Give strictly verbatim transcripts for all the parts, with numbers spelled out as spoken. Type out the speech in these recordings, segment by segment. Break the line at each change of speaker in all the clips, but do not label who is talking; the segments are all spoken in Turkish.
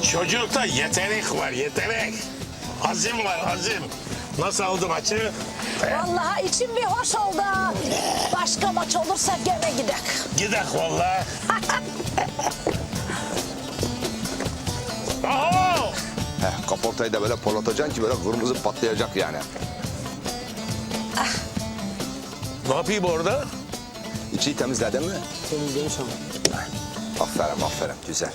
Çocukta yetenek var, yetenek. Azim var, azim. Nasıl aldı maçı?
Vallahi içim bir hoş oldu. Başka maç olursa gene gidek.
Gidek vallahi. Aho!
Heh, kaportayı da böyle parlatacaksın ki böyle kırmızı patlayacak yani.
Ne yapayım orada?
İçiyi temizledin mi?
Temizlemiş ama.
Aferin, aferin. Güzel.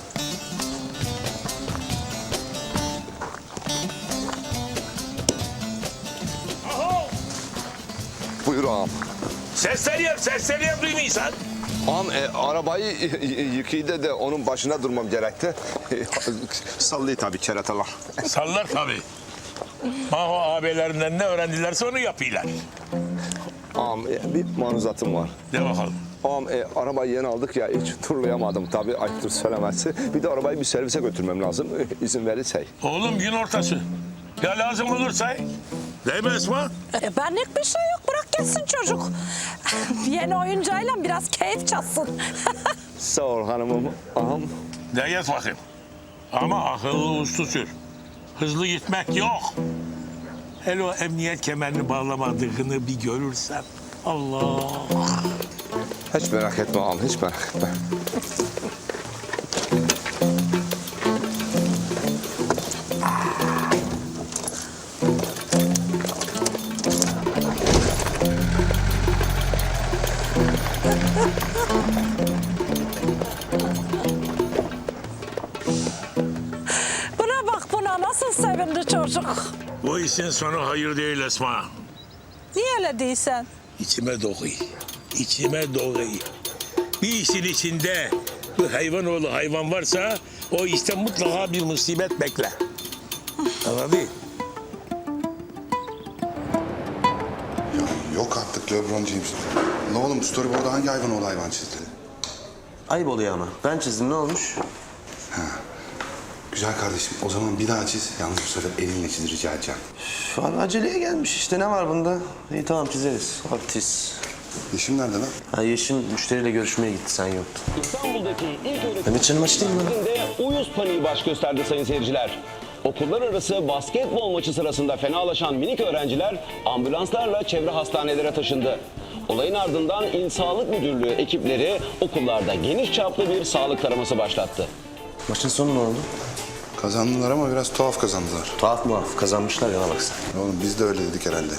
Aho!
Buyur ağam.
Sesleniyorum, sesleniyorum duymuyorsan.
Ağam e, arabayı yıkaydı da onun başına durmam gerekti. Sallıyor tabii keratalar.
Sallar tabii. Aho abilerimden ne öğrendilerse onu yapıyorlar.
Ağam e, bir maruzatım var.
De bakalım.
Ağam e, arabayı yeni aldık ya hiç turlayamadım tabii ayıptır söylemesi. Bir de arabayı bir servise götürmem lazım izin verirse.
Oğlum gün ortası. Ya lazım olursa. Değil mi Esma?
E, benlik bir şey yok. Bırak gelsin çocuk. Yeni oyuncağıyla biraz keyif çalsın.
Sağ ol hanımım. Ağam.
De git bakayım. Ama akıllı uslu sür. Hızlı gitmek yok. Hele o emniyet kemerini bağlamadığını bir görürsen. Allah.
Hiç merak etme ağam hiç merak etme.
Buna bak buna nasıl sevindi çocuk.
Bu işin sonu hayır değil Esma.
Niye öyle değilsen?
İçime dokuyor. İçime dokuyor. Bir işin içinde bu hayvanoğlu hayvan varsa o işte mutlaka bir musibet bekle. Anladın?
Yok artık LeBron James. Ne oğlum storyboard'da hangi hayvan oğlu hayvan çizdi?
Ayıp oluyor ama. Ben çizdim ne olmuş?
Güzel kardeşim o zaman bir daha çiz. Yalnız bu sefer elinle çiz rica edeceğim.
Şu an aceleye gelmiş işte ne var bunda? İyi tamam çizeriz. Artist.
Yeşim nerede lan?
Ha Yeşim müşteriyle görüşmeye gitti sen yoktun.
İstanbul'daki ilk öğretim
Mehmetcan'ım aç değil mi?
merkezinde uyuz paniği baş gösterdi sayın seyirciler. Okullar arası basketbol maçı sırasında fenalaşan minik öğrenciler ambulanslarla çevre hastanelere taşındı. Olayın ardından İl Sağlık Müdürlüğü ekipleri okullarda geniş çaplı bir sağlık taraması başlattı.
Maçın sonu ne oldu?
Kazandılar ama biraz tuhaf kazandılar.
Tuhaf muaf kazanmışlar yana bak sen.
Oğlum biz de öyle dedik herhalde.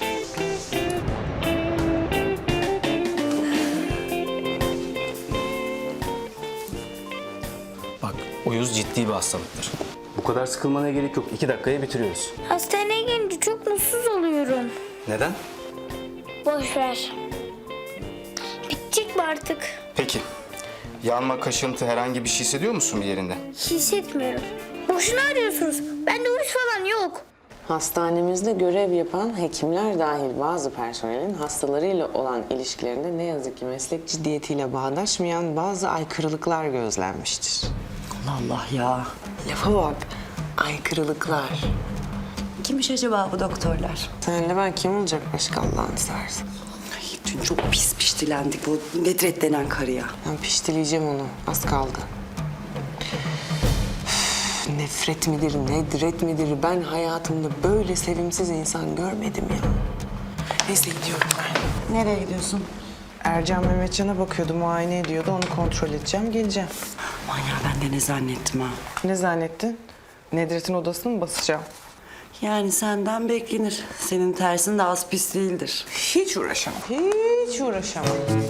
Bak, uyuz ciddi bir hastalıktır. Bu kadar sıkılmana gerek yok. İki dakikaya bitiriyoruz.
Hastaneye gelince çok mutsuz oluyorum.
Neden?
Boş ver. Bitecek mi artık?
Peki. Yanma, kaşıntı, herhangi bir şey hissediyor musun bir yerinde?
Hissetmiyorum. Boşuna arıyorsunuz. Bende uyuz falan yok.
Hastanemizde görev yapan hekimler dahil bazı personelin hastalarıyla olan ilişkilerinde ne yazık ki meslek ciddiyetiyle bağdaşmayan bazı aykırılıklar gözlenmiştir.
Allah Allah ya.
Lafa bak, aykırılıklar.
Kimmiş acaba bu doktorlar?
Senle ben kim olacak başka Allah'ını seversen.
Ay, dün çok pis piştilendik bu Nedret denen karıya.
Ben piştileyeceğim onu, az kaldı. Üf, nefret midir, nedret midir? Ben hayatımda böyle sevimsiz insan görmedim ya. Neyse gidiyorum ben.
Nereye gidiyorsun?
Ercan Mehmetcan'a bakıyordu, muayene ediyordu. Onu kontrol edeceğim, geleceğim.
Aman ya ben de ne zannettim ha.
Ne zannettin? Nedret'in odasını mı basacağım?
Yani senden beklenir. Senin tersin de az pis değildir.
Hiç uğraşamam. Hiç uğraşamam.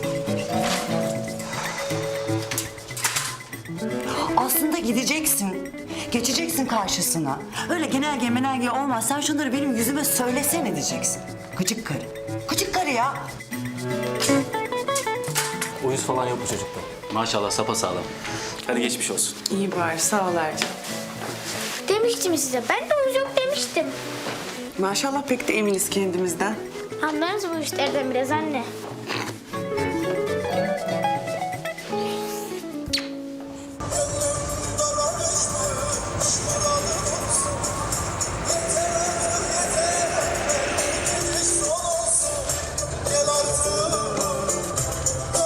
Aslında gideceksin. Geçeceksin karşısına. Öyle genelge menelge olmaz. Sen şunları benim yüzüme söylesene diyeceksin. Gıcık karı. Gıcık karı ya.
Uyuz falan yok bu çocukta. Maşallah sapasağlam. Hadi geçmiş olsun.
İyi bari, sağ ol Ercan.
Demiştim size. Ben de uyuz yok demiştim.
Maşallah pek de eminiz kendimizden.
Anlarız bu işlerden biraz anne.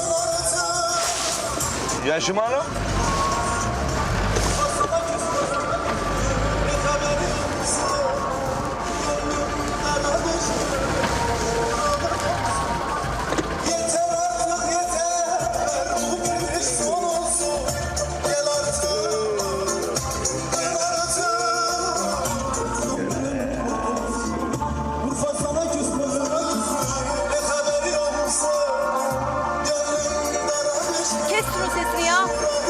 Yaşım Hanım.
sesini ya.